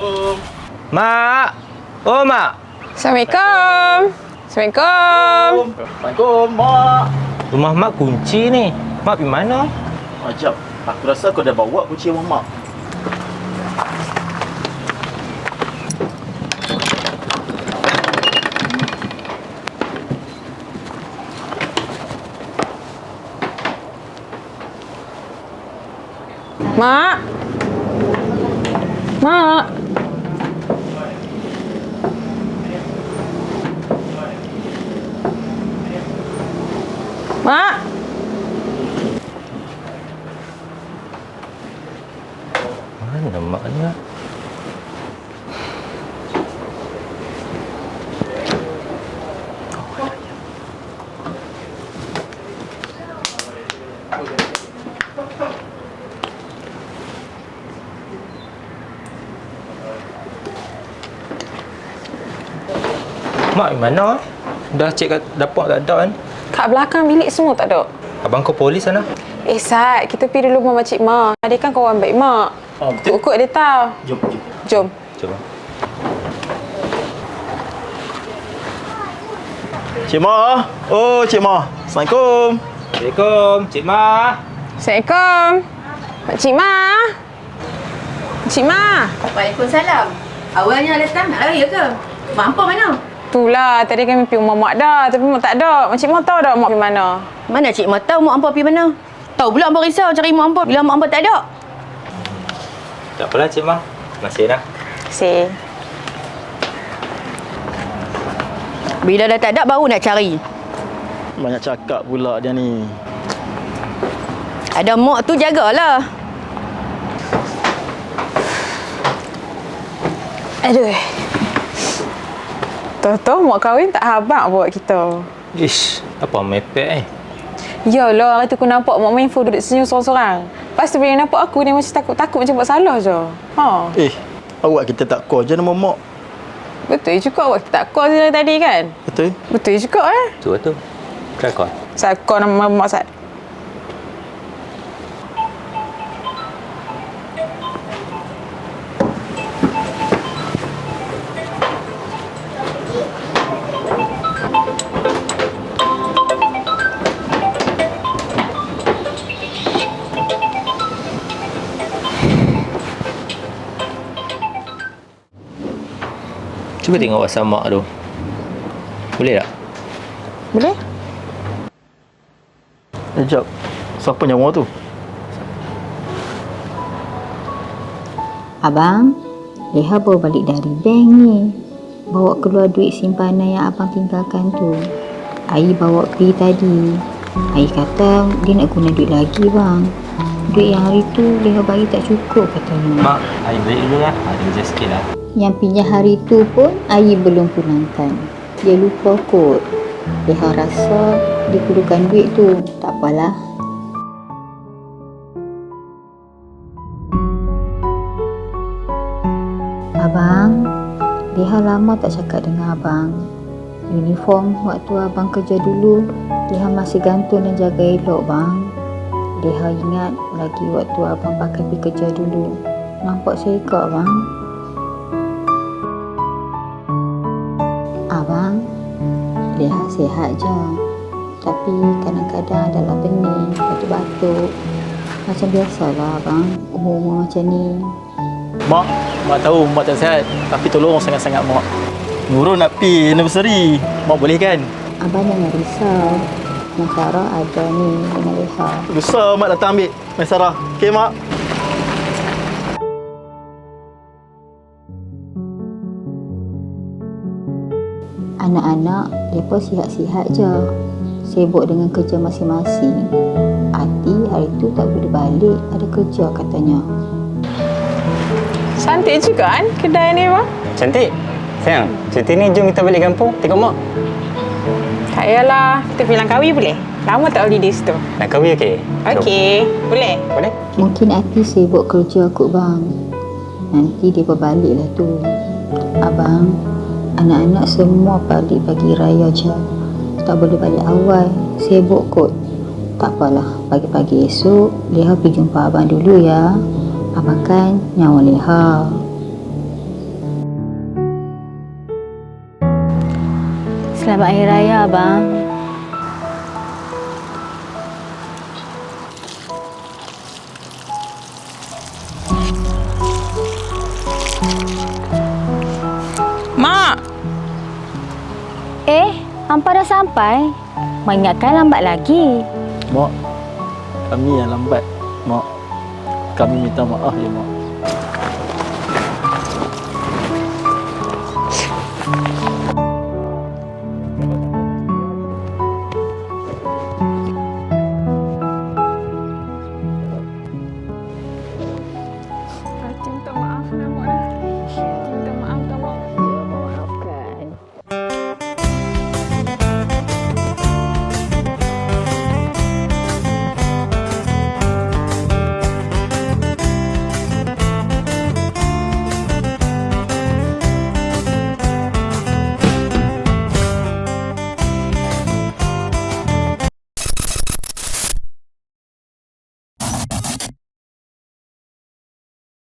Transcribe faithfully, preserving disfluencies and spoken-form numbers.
Assalamualaikum. Mak. Oh, Mak. Assalamualaikum. Assalamualaikum. Assalamualaikum, Mak. Rumah Mak kunci ni. Mak pergi mana? Ajab. Aku rasa kau dah bawa kunci rumah Mak. Mak. Mak. Mak. Mana maknya? Mak, mana? Dah cek kat dapur tak ada kan? Kat belakang bilik semua tak ada. Abang kau polis sana? Eh, Sat, kita pergi dulu rumah Makcik Mak. Dia kan kawan baik Mak. Oh, betul. Ikut-ikut dia tahu. Jom, jom. Jom. Cuba. Cik Ma. Oh, Cik Ma. Assalamualaikum. Assalamualaikum, Cik Mak. Assalamualaikum. Makcik Mak. Makcik Mak. Waalaikumsalam. Awalnya datang nak lari ke? Mak hampa mana? Itulah, tadi kami pergi rumah Mak dah. Tapi Mak tak ada. Makcik Mak tahu tak Mak pergi mana? Mana cik Mak tahu mak hampa pergi mana? Tahu pula hampa risau cari mak hampa bila mak hampa tak ada. Tak apalah, Cik Mak. Masih dah. Si. Bila dah tak ada baru nak cari. Banyak cakap pula dia ni. Ada mak tu jagalah. Aduh. Tahu-tahu Mak kahwin tak habaq buat kita. Ish, apa mepek eh? Yalah, hari tu aku nampak Mak main phone duduk senyum sorang-sorang. Lepas tu bila nampak aku, dia macam takut-takut macam buat salah je. Ha. Eh, awak kita tak call je nama Mak. Betul juga awak tak call je tadi kan? Betul? Betul juga eh. Tu tu. Try call. Saya call nama Mak Sat. Cuba tengok WhatsApp Mak tu. Boleh tak? Boleh? Eh, jap. Siapa nyawa tu? Abang, Leha baru balik dari bank ni. Bawa keluar duit simpanan yang abang tinggalkan tu. Ai bawa pergi tadi. Ai kata dia nak guna duit lagi bang. Duit yang hari tu Leha bagi tak cukup katanya. Mak, I balik dulu lah. Ada kerja sikit lah. Yang pinjam hari tu pun Ai belum punangkan. Dia lupa kot. Leha rasa dia perlukan duit tu. Tak apalah. Abang, Leha lama tak cakap dengan abang. Uniform waktu abang kerja dulu, Leha masih gantung dan jaga elok bang. Leha ingat lagi waktu abang pakai pergi kerja dulu. Nampak seekor bang. Abang, Leha sihat je. Tapi kadang-kadang adalah pening, batuk-batuk. Macam biasalah abang, umur-umur macam ni. Mak, Mak tahu Mak tak sihat. Tapi tolong sangat-sangat Mak. Nurul nak pergi anniversary. Mak boleh kan? Abang jangan risau. Mak Sarah ada ni dengan Leha. Lusa Mak datang ambil Mak Sarah. Okey Mak? Anak-anak, mereka sihat-sihat je. Sibuk dengan kerja masing-masing. Ati hari tu tak boleh balik, ada kerja katanya. Cantik juga kan kedai ni bang? Cantik. Sayang, cuti ni jom kita balik kampung tengok mak. Tak yalah, kita pergi Langkawi boleh? Lama tak holiday situ. Langkawi okey? Okey, boleh? Boleh? Mungkin Ati sibuk kerja kot bang. Nanti dia berbalik lah tu. Abang, anak-anak semua balik pagi raya je. Tak boleh balik awal, sibuk kot. Tak apalah, pagi-pagi esok Leha pergi jumpa abang dulu ya. Abang kan nyawa Leha. Selamat Hari Raya, abang. Mak! Eh, hampa dah sampai? Mengingatkan lambat lagi. Mak, kami yang lambat. Mak, kami minta maaf ya, Mak.